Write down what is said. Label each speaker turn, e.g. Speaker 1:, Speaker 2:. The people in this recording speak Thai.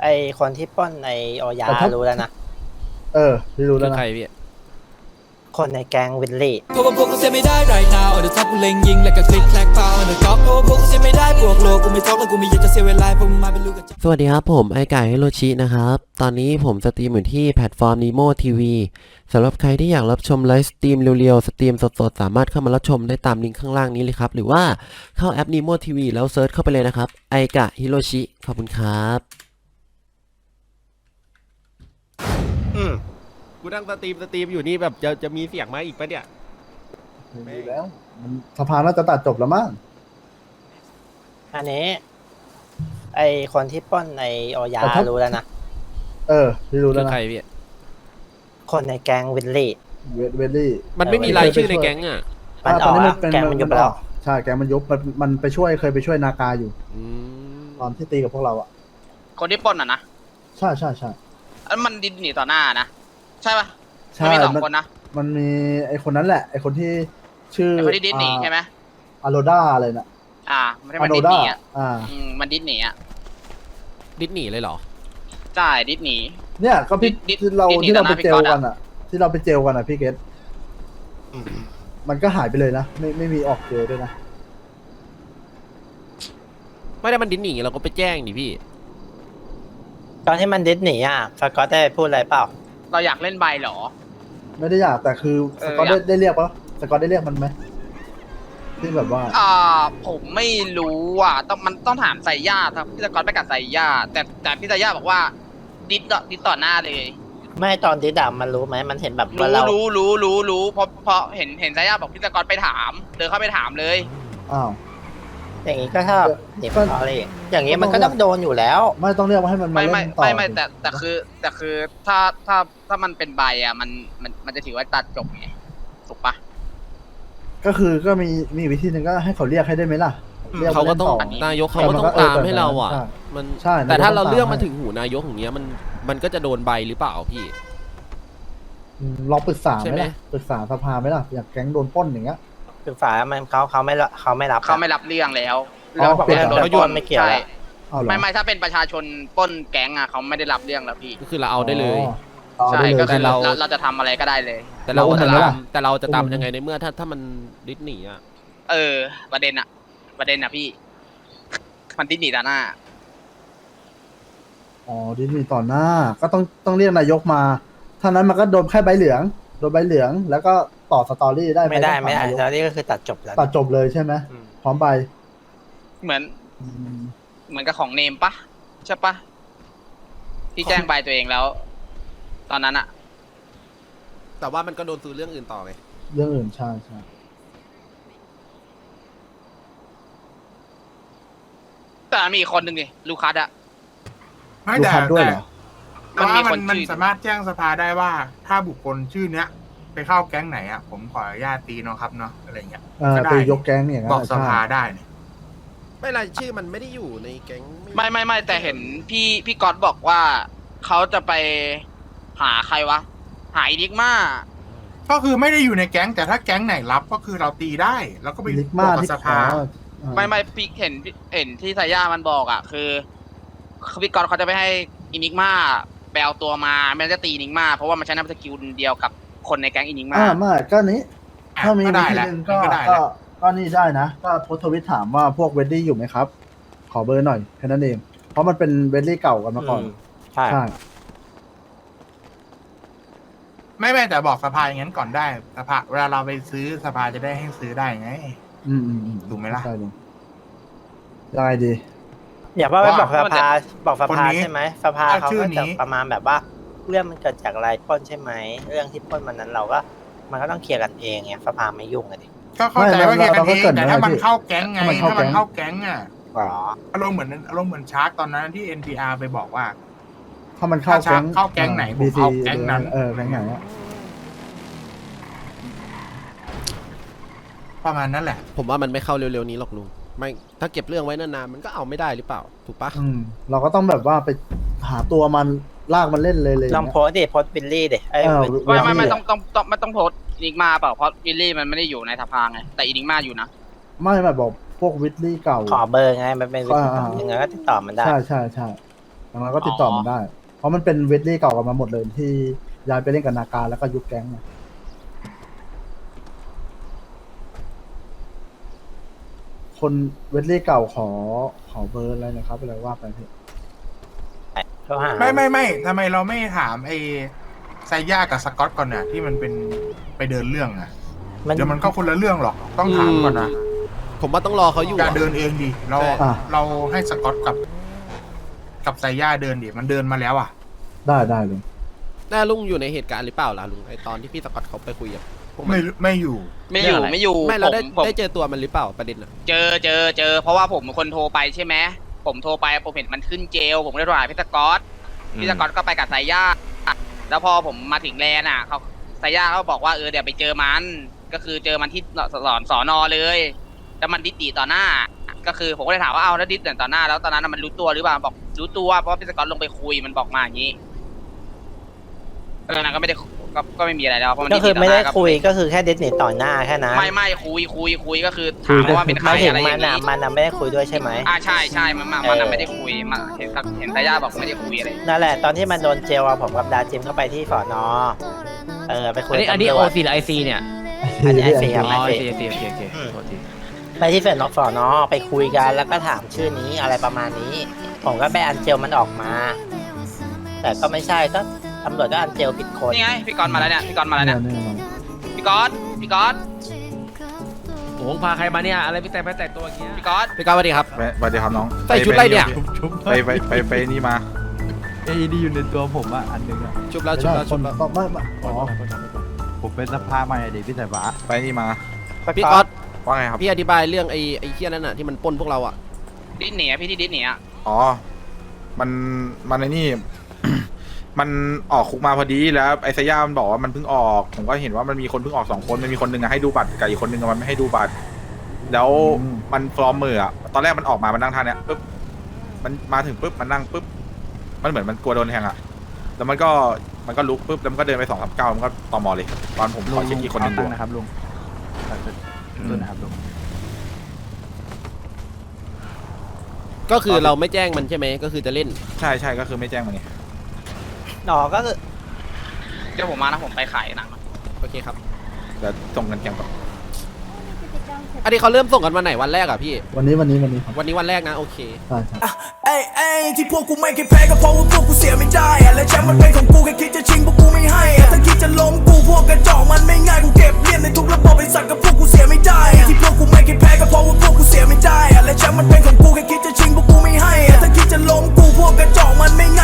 Speaker 1: ไอคนที่ปล้นไอโอยา
Speaker 2: แต่ถ้า
Speaker 1: รู้แล้วนะ
Speaker 2: พี่รู้
Speaker 3: คื
Speaker 2: แล้ว
Speaker 3: อ
Speaker 2: นะ
Speaker 3: ใครพี่
Speaker 1: คนในแก๊งวิลลี่
Speaker 4: เพราะว่าพวกกูเสียไม่ได้ right now on the top กูเล็งยิงแล้วก็คลิกแคลกเปล่า on the top เพราะว่าพวกกูเสียไม่ได้บวกโลกูไม่ท็อกแล้วกูไม่อยากจะเสียเวลาพวกมึงมาเป็นลูกกระจอก
Speaker 3: สวัสดีครับผมไอไก่ฮิโรชินะครับ ตอนนี้ผมสตรีมอยู่ที่แพลตฟอร์ม Nemo TV สำหรับใครที่อยากรับชมไลฟ์สตรีมเร็วๆสตรีมสดๆสามารถเข้ามารับชมได้ตามลิงก์ข้างล่างนี้เลยครับหรือว่าเข้าแอป Nemo TV แล้วเซิร์ชเข้าไปเลยนะครับไอกะฮิโรชิขอบคุณครับ กูนั่งสตรีมอยู่นี่แบบจะมีเสียงมาอีกปะเนี่ย
Speaker 2: มีแล้วมันสภาน่าจะตัดจบแล้วมั้ง
Speaker 1: อันนี้ไอคนที่ปล้นไอโอยารู้แล้วนะ
Speaker 2: พี่รู้
Speaker 3: คื
Speaker 2: แล้ว
Speaker 3: อ
Speaker 2: นะ
Speaker 3: ใครพี่
Speaker 1: คนในแก๊งวิลลี่
Speaker 2: เวลลี่
Speaker 3: มันไม่มีรายชื่อในแก๊งอ่ะ
Speaker 1: มันออกแล้วแก๊งมันยุบไปแล้ว
Speaker 2: ใช่แกงมันยุบมันไปช่วยเคยไปช่วยนากาอยู่
Speaker 3: อืม
Speaker 2: ตอนที่ตีกับพวกเราอ่ะ
Speaker 5: คนที่ปล้นอ่ะนะ
Speaker 2: ใช่
Speaker 5: อันมันดินหนีต่อหน้านะ ใช่ปะ
Speaker 2: ใช่
Speaker 5: มันมีสองคนนะ
Speaker 2: มันมีไอคนนั้นแหละไอคนที่ชื่อ
Speaker 5: ไอ้คนที่ดิสหนีใช่ไหม
Speaker 2: อโรด้าอะไรน่ะ
Speaker 5: ไม่ใช่มันดิสหนีอ่ะ
Speaker 2: อ่า
Speaker 5: มันดิสหนีอ่ะ
Speaker 3: ดิสนีย์เลยเหรอ
Speaker 5: ใช่ดิสหนี
Speaker 2: เนี่ยก็พี่
Speaker 5: ดิด
Speaker 2: ที่เรา
Speaker 5: ดิดหนี
Speaker 2: ที่เรา
Speaker 5: ต่อห
Speaker 2: ไป
Speaker 5: น้า
Speaker 2: เจล
Speaker 5: พี่ก๊อต
Speaker 2: กันอ่ะ ที่เราไปเจลกันอ่ะพี่เกตมันก็หายไปเลยนะไม่มีออกเจลด้วยนะ
Speaker 3: ไม่ได้มันดิสนีย์เราก็ไปแจ้งดิพี่
Speaker 1: ตอนที่มันดิสหนีอ่ะสกอตได้พูดอะไรเปล่า
Speaker 5: เราอยากเล่นใบเหรอ
Speaker 2: ไม่ได้อยากแต่คือสกอต
Speaker 5: อยาก
Speaker 2: ได้เรียกปะสกอตได้เรียกมันไหมที่แบบว่า
Speaker 5: ผมไม่รู้มันต้องถามไซย่าครับพี่สกอตไปกับไซย่าแต่พี่ไซย่าบอกว่าดิสต่อหน้าเลย
Speaker 1: ไม่ตอนดิสอะมันรู้ไหมมันเห็นแบบว่าเรา
Speaker 5: รู้เพราะเห็นไซย่าบอกพี่สกอตไปถามเดินเข้าไปถามเลย
Speaker 2: อ้าว
Speaker 1: อย่างนี้ก็ถ้าหนีมันอะไรอย่างนี้มันก็ต้องโดนอยู่แล้ว
Speaker 2: ไม่ต้องเรียกว่าให้มันมา
Speaker 5: ไม่
Speaker 2: เล่นต่อ
Speaker 5: ไม่แต่คือถ้ามันเป็นใบอ่ะมันจะถือว่าตัดจบไงถูกปะ
Speaker 2: ก็คือก็มีวิธีหนึ่งก็ให้เขาเรียกให้ได้ไหมล่ะรีย
Speaker 3: เขาก็ต้อง
Speaker 2: ล่น
Speaker 3: นายกเขาก็ต้องตามให้เราอ่ะ
Speaker 2: ใช่
Speaker 3: มัน
Speaker 2: ใช่
Speaker 3: แต่ถ้าเรา
Speaker 2: นายกต้องตาม
Speaker 3: เรื่องมาถึงหูนายกอย่างเงี้ยมันก็จะโดนใบหรือเปล่าพี่
Speaker 2: ลองปรึกษา
Speaker 3: ใช่
Speaker 2: ไห
Speaker 3: ไห
Speaker 2: ม
Speaker 3: ม
Speaker 2: ล่ะปรึกษาสภาไหมล่ะอยากแก๊งโดนปล้นอย่างเงี้ย
Speaker 1: คือฝ่ายมันเขาไม่รับ
Speaker 5: เขาไม่รับเรื่องแล้ว
Speaker 2: อ๋อ
Speaker 1: เขาบอกว่าโดนปล้นไม่เกี่ยว
Speaker 5: ใช่
Speaker 1: แล้ว
Speaker 2: เอาเหรอ
Speaker 5: ไม่ถ้าเป็นประชาชนปล้นแก๊งอ่ะเขาไม่ได้รับเรื่องแล้วพี่
Speaker 3: ก็คือเราเอาได้เลย
Speaker 2: อ๋อเอา
Speaker 5: ใช่
Speaker 2: ได้เลย
Speaker 5: ก็คือ
Speaker 3: แต่เรา
Speaker 5: เราจะทำอะไรก็ได้เลย
Speaker 3: แต่เรา
Speaker 2: เรา
Speaker 3: จะ
Speaker 2: อุ้มมันไหม
Speaker 3: ตา
Speaker 2: ล่ะ
Speaker 3: มแต่เราจะตาม
Speaker 2: อุ้มมัน
Speaker 3: ยังไงในเมื่อถ้ามันดิสนีย์อ่ะ
Speaker 5: ประเด็นอ่ะพี่ มันดิสนีย์ต่อหน้า
Speaker 2: อ๋อดิสนีย์ต่อหน้าก็ต้องเรียกนายกมาถ้านั้นมันก็โดนแค่ใบเหลืองโดนใบเหลืองแล้วก็ต่อสตอรี่ได้ห
Speaker 1: ไม่ได้
Speaker 2: ต้องถานายก
Speaker 1: แล้วนี่ก็คือตัดจบแล้ว
Speaker 2: ตัดจบเลยใช่ไหม
Speaker 1: อืม
Speaker 2: พร้อมใบ
Speaker 5: เหมือน
Speaker 2: อืม
Speaker 5: เหมือนกับของเนมปะใช่ปะที่แจ้งใบตัวเองแล้ว ตอนนั้นอ่ะ
Speaker 3: แต่ว่ามันก็โดนซื้อเรื่องอื่นต่อไง
Speaker 2: เรื่องอื่นใช่
Speaker 5: แต่มีอีกคนหนึ่งดิลูคัสอ่ะ
Speaker 6: ไม่
Speaker 2: ลูก
Speaker 6: แต่
Speaker 2: ค้าด้วย
Speaker 6: แต่
Speaker 2: เหรอ
Speaker 5: มันมี
Speaker 6: ว่า
Speaker 5: คน
Speaker 6: มัน
Speaker 5: ชื่อ
Speaker 6: สามารถแจ้งสภาได้ว่า ถ้าบุคคลชื่อเนี้ย ไปเข้าแก๊งไหนอ่ะ ผมขออนุญาตตีเนาะครับเนาะอะไรเงี้ยก็ได้
Speaker 2: ไปยกแก๊งอย่างนั้น
Speaker 6: บอกส
Speaker 2: ใช่
Speaker 6: ภาได้เนี่ย
Speaker 3: ไม่รายชื่อมันไม่ได้อยู่ในแก๊ง
Speaker 5: ไม่แต่เห็นพี่ก๊อตบอกว่าเขาจะไปหาใครวะ หาอีดิกมา
Speaker 6: ก็คือไม่ได้อยู่ในแก๊งแต่ถ้าแก๊งไหนรับก็คือเราตีได้แล้วก็ไป
Speaker 2: ลิก
Speaker 6: บ
Speaker 2: มา
Speaker 6: อกกับ
Speaker 2: ที่
Speaker 6: ส
Speaker 2: ขอ
Speaker 6: ภา
Speaker 5: ไม่พี่เห็นที่ไซย่ามันบอกอ่ะคือพี่ก๊อตเขาจะไปให้อินิกมาแปลตัวมาไม่งั้นจะตีอินิกมาเพราะว่ามันใช้นามสกิลเดียวกับคนในแก๊งอินิกมา
Speaker 2: ไม่ก็นี้ ถ้ามี
Speaker 6: ก็
Speaker 2: วิ
Speaker 6: ได้
Speaker 2: ธี
Speaker 6: แหละ
Speaker 2: หนึ่ง
Speaker 6: ก็ได้แห
Speaker 2: ก็
Speaker 6: ละ
Speaker 2: ก็นี่ได้นะ ก็โพสต์ทวิตถามว่าพวกเวดดี้อยู่ไหมครับ ขอเบอร์หน่อยแค่นั้นเอง เพราะมันเป็นเวดดี้เก่ากันมาก่อน
Speaker 1: ใช่
Speaker 2: ใช่
Speaker 6: ไม่แต่บอกสภาอย่างนั้นก่อนได้สภาเวลาเราไปซื้อสภาจะได้ให้ซื้อได้ไง ถูกไหมล่ะ
Speaker 2: ใช่เลยได้ดี
Speaker 1: อย่าว่าไปบอกสภา
Speaker 6: คนนี้
Speaker 1: ใช่ไหมสภา
Speaker 6: ถ้า
Speaker 1: เขา
Speaker 6: ชื่อ
Speaker 1: ก็
Speaker 6: นี้
Speaker 1: จะประมาณแบบว่า เรื่องมันเกิดจากอะไรปล้นใช่ไหมเรื่องที่ปล้นมันนั้นเราก็มันก็ต้องเคลียร์กันเองไงสภาไม่ยุ่งเลยดิ
Speaker 6: ก็เข้าใจว่าเกียร์กันเองแต่ถ้ามัน
Speaker 2: เราก็เกริ่นไว้
Speaker 6: เข้าแก๊งไง
Speaker 2: ถ้ามันเข้า
Speaker 6: ถ้ามัน
Speaker 2: แก๊ง
Speaker 6: เข้าแก๊งอ่ะ
Speaker 1: อ๋อ
Speaker 6: อารมณ์เหมือนชาร์กตอนนั้นที่ NPR ไปบอกว่า
Speaker 2: ถ้ามันเข้า
Speaker 6: ถ้า
Speaker 2: แก๊ง
Speaker 6: เข้าแก๊งไหนผม
Speaker 2: BC
Speaker 6: เอาแก๊งนั้น
Speaker 2: แก๊งไหนอะ
Speaker 6: ประมาณนั้นแหละ
Speaker 3: ผมว่ามันไม่เข้าเร็วๆนี้หรอกลุงไม่ถ้าเก็บเรื่องไว้นานๆมันก็เอาไม่ได้หรือเปล่าถูกปะ
Speaker 2: เราก็ต้องแบบว่าไปหาตัวมันลากมันเล่นเลย
Speaker 1: ลองโพสต์ดิโพสต์วิลลี่ดิไอ้
Speaker 5: ไม่ต้องโพสต์อินิกมาเปล่าเพราะวิลลี่มันไม่ได้อยู่ในสภาไงแต่อินิกมาอยู่นะ
Speaker 2: ไม่บอกพวกวิดลี่เก่า
Speaker 1: ขอเบอร์ไงมันเป็นวิธี
Speaker 2: อ่า
Speaker 1: ยังไงก็ติดต่อมันได้
Speaker 2: ใช่อย่างเราก็ติดต่อมันได้ เพราะมันเป็นเวทลี่เก่ากันมาหมดเลยที่ย้ายไปเล่นกับนาการแล้วก็ยุบแก๊งมาคนเวทลี่เก่าขอเบอร์อะไรนะครับอะไรว่าไปพี่
Speaker 1: เขาหา
Speaker 6: ไม่ทำไมเราไม่ถามไอ้ไซย่ากับสกอตก่อนเนี่ยที่มันเป็นไปเดินเรื่องอะเดี๋ยวมันก็คนละเรื่องหรอกต้องถามก่อนนะ
Speaker 3: ผมว่าต้องรอเขาอยู่
Speaker 6: อย่า
Speaker 3: อะ
Speaker 6: เดินเองดิเรา
Speaker 3: ใช่
Speaker 6: เราให้สกอตกับไซย่าเดินดิมันเดินมาแล้วอ่ะ
Speaker 2: ได้เลย
Speaker 3: หน้าลุงอยู่ในเหตุการณ์หรือเปล่าล่ะลุงไอตอนที่พี่สกอตเขาไปคุยกับพวกมัน
Speaker 6: ไม่อยู่
Speaker 5: ไม่อยู่
Speaker 3: ไม่เราได้
Speaker 5: ผม
Speaker 3: ได้เจอตัวมันหรือเปล่าประเด็นอะ
Speaker 5: เจอเพราะว่าผมเป็นคนโทรไปใช่ไหมผมโทรไปผมเห็นมันขึ้นเจลผมก็เลยโทรหาพี่สกอตก็ไปกับไซย่าแล้วพอผมมาถึงแลนด์อ่ะเขาไซย่าเขาบอกว่าเดี๋ยวไปเจอมันก็คือเจอมันที่สอนอเลยแล้วมันดิสตีต่อหน้า ก็คือผมก็เลยถามว่าเอาแล้วดิสตีต่อหน้าแล้วตอนนั้นมันรู้ตัวหรือเปล่าบอกรู้ตัวเพราะพี่สกอตลงไปคุยมันบอกมาอย่างนี้ตอนนั้นก็ไม่ได้ก็ไม่มีอะไรแล้วเพราะมัน
Speaker 1: ก็
Speaker 5: ดิส
Speaker 1: คื
Speaker 5: ตี
Speaker 1: อ
Speaker 5: ต่อ
Speaker 1: ไม่
Speaker 5: ห
Speaker 1: ได้
Speaker 5: น้า
Speaker 1: คุยก็คือแค่เดทเนตต่อหน้าแค่นั้น
Speaker 5: ไม่คุยก็คือถามว่าเป็นใคร
Speaker 1: ไม่ถึง
Speaker 5: อะไรอ
Speaker 1: มั
Speaker 5: ย่าน ง
Speaker 1: อ่ะ
Speaker 5: นี้
Speaker 1: มันอ่ะไม่ได้คุยด้วยใช่ไหม
Speaker 5: ใช่มันไม่ได้คุยมาเห็นไซย่าบอกไม่ได้คุยอะไร
Speaker 1: นั่นแหละตอนที่มันโดนเจลอะผมกับดาจิมเข้าไปที่สอนอไปคุย
Speaker 7: อันนี้
Speaker 1: กับ
Speaker 7: โอ
Speaker 1: ตำรวจ
Speaker 7: ซีหรือไอซีเนี่ย
Speaker 1: อันนี้ไอซีครับ
Speaker 7: อ๋อ
Speaker 1: ไอ
Speaker 7: ไอ
Speaker 1: ซี
Speaker 7: ซีโอเคโทษที
Speaker 1: ไปที่สอนอไปคุยกันแล้วก็ถามชื่อนี้อะไรประมาณนี้ ผมก็ไปอันเจลมันออกมา แต่ก็ไม่ใช่ก็ตำรวจก็อันเจลผิดคน
Speaker 5: นี่ไงพี่กรณ์มาแล้วเนี่ยพี่กรณ์มาแล้วเนี่ย
Speaker 2: เนี่ย
Speaker 5: พี่กรณ์
Speaker 7: โอ้โหพาใครมาเนี่ย อะไรไปแต่ตัวอย่างเงี้ย
Speaker 5: พี่กรณ์
Speaker 3: พี่ก้าวสวัสดีครับ
Speaker 8: สวัสดีครับน้อง
Speaker 3: ใส่ชุดอะไรเนี่ย
Speaker 8: ไปนี่มา
Speaker 9: ไอ้ดีอยู่ในตัวผมอ่ะอันหนึงอ่ะ
Speaker 3: ชุบแล้ว
Speaker 2: ไม่
Speaker 3: ชุบ
Speaker 2: ได้
Speaker 3: แล้ว
Speaker 2: ค
Speaker 3: ชุ
Speaker 2: น
Speaker 3: บแล้ว
Speaker 2: ไม่อ๋อ
Speaker 9: ผมเป็นสภาใหม่เด็กพี่สายฟ้า
Speaker 8: ไปนี่มา
Speaker 3: พี่ก๊อต
Speaker 8: ว่าไงครับ
Speaker 3: พี่อธิบายเรื่องไอ้เคี้ยนั่นน่ะที่มันปล้นพวกเราอะ
Speaker 5: ดิสเนียพี่ที่ดิสเนีย
Speaker 8: อ๋อ มันไอ้นี่ มันออกคุกมาพอดีแล้วไอ้สยามมันบอกว่ามันเพิ่งออก ผมก็เห็นว่ามันมีคนเพิ่งออก2 คนมันมีคนหนึงอะให้ดูบัตรกับอีกคนหนึงอะมันไม่ให้ดูบัตร แล้วมันฟลอมมืออะตอนแรกมันออกมามันนั่งท่าเนี้ยปุ๊บมันมาถึงปุ๊บมันนั่งปุ๊บมันเหมือนมันกลัวโดนแทงอะแล้วมันก็ลุกปุ๊บแล้วมันก็เดินไป2 3 9มันก็ตอมอเลยตอนผมขอเช็คอีกคนหนึงดู
Speaker 9: นะครับลุงต้นนะครับลุง
Speaker 3: ก็คือเราไม่แจ้งมันใช่ไหมก็คือจะเล่น
Speaker 8: ใช่ก็คือไม่แจ้งมันนี่
Speaker 1: ก็คือ
Speaker 5: เดี๋ยวผมมานะผมไปขายหนัง
Speaker 3: โอเคครับ
Speaker 8: เดี๋ยวส่งเงินแกงก่อน
Speaker 3: อันนี้เขาเริ่มส่งกันวันไหนวันแรกอะพี่
Speaker 2: วันนี้ครับ
Speaker 3: วันนี้วันแรกนะโอเค
Speaker 2: ใช่
Speaker 4: เอ้ยที่พวกกูไม่เคยแพ้ก็เพราะว่าพวกกูเสียไม่ได้อะและแชมป์มันเป็นของกูแค่คิดจะชิงพวกกูไม่ให้อะถ้าคิดจะล้มกูพวกกระจอกมันไม่ง่ายกูเก็บเลียนในทุกระบบไอ้สัตว์กับพวกกูเสียไม่ได้อะที่พวกกูไม่เคยแพ้ก็เพราะว่าพวกกูเสียไม่ได้อะและแชมป์มันเป็นของกูแค่คิดจะชิงพวกกูไม่ให้อะถ้าคิดจะล้มกูพวกกระจอกมันไม่ง่าย